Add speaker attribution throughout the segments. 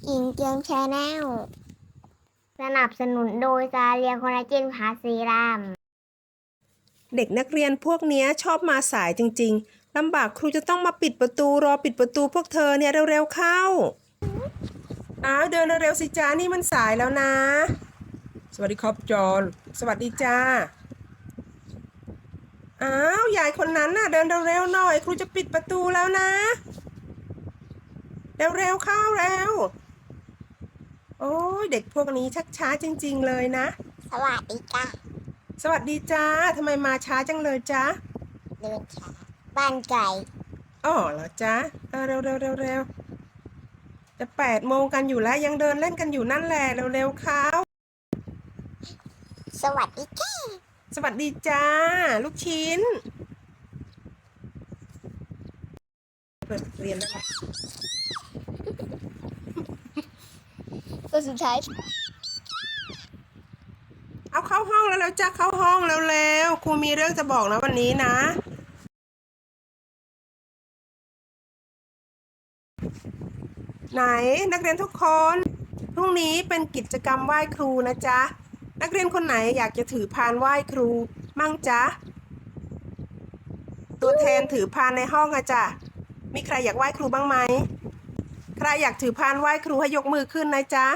Speaker 1: หญิงเกียมแชนแนลสนับสนุนโดยซาเลียคอลลาเจนพาสซีรัม
Speaker 2: เด็กนักเรียนพวกเนี้ยชอบมาสายจริงๆลำบากครูจะต้องมาปิดประตูรอปิดประตูพวกเธอเนี่ยเร็วๆเข้าเดินเร็วๆสิจ้านี่มันสายแล้วนะสวัสดีครับจอนสวัสดีจ้ายายคนนั้นน่ะเดินเร็วๆหน่อยครูจะปิดประตูแล้วนะเร็วๆเข้าเร็วโอ้ยเด็กพวกนี้ชักช้าจริงๆเลยนะ
Speaker 1: สวัสดีจ้า
Speaker 2: สวัสดีจ้าทำไมมาช้าจังเลยจ้า
Speaker 1: เดินช้าบ้านไก่
Speaker 2: อ๋อเหรอจ้าเร็วจะ8 โมงกันอยู่แล้วยังเดินเล่นกันอยู่นั่นแหละเร็วๆเข้า
Speaker 1: สวัสดีจ้า
Speaker 2: สวัสดีจ้าลูกชิ้นเปิดเรียนแล้วนะ
Speaker 1: ตัวสุดท้าย
Speaker 2: เอาเข้าห้องแล้วจ้าเข้าห้องเร็วๆครูมีเรื่องจะบอกนะวันนี้นะไหนนักเรียนทุกคนพรุ่งนี้เป็นกิจกรรมไหว้ครูนะจ๊ะนักเรียนคนไหนอยากจะถือพานไหว้ครูมั่งจ๊ะตัวแทนถือพานในห้องอะจ๊ะมีใครอยากไหว้ครูบ้างไหมใครอยากถือพานไหว้ครูให้ยกมือขึ้นนะจ๊ะ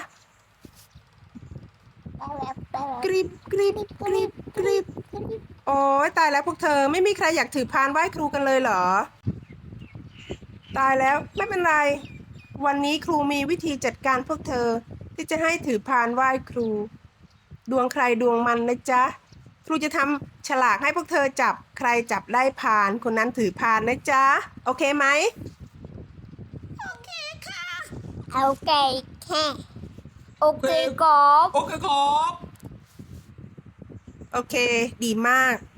Speaker 2: กริบกริบกริบกริบโอ้ยตายแล้วพวกเธอไม่มีใครอยากถือพานไหว้ครูกันเลยเหรอตายแล้วไม่เป็นไรวันนี้ครูมีวิธีจัดการพวกเธอที่จะให้ถือพานไหว้ครูดวงใครดวงมันนะจ๊ะครูจะทำฉลากให้พวกเธอจับใครจับได้พานคนนั้นถือพานนะจ๊ะโอเคไหม
Speaker 1: โอเคแค่โอเคกอบ
Speaker 2: โอเคครับโอเคดีมาก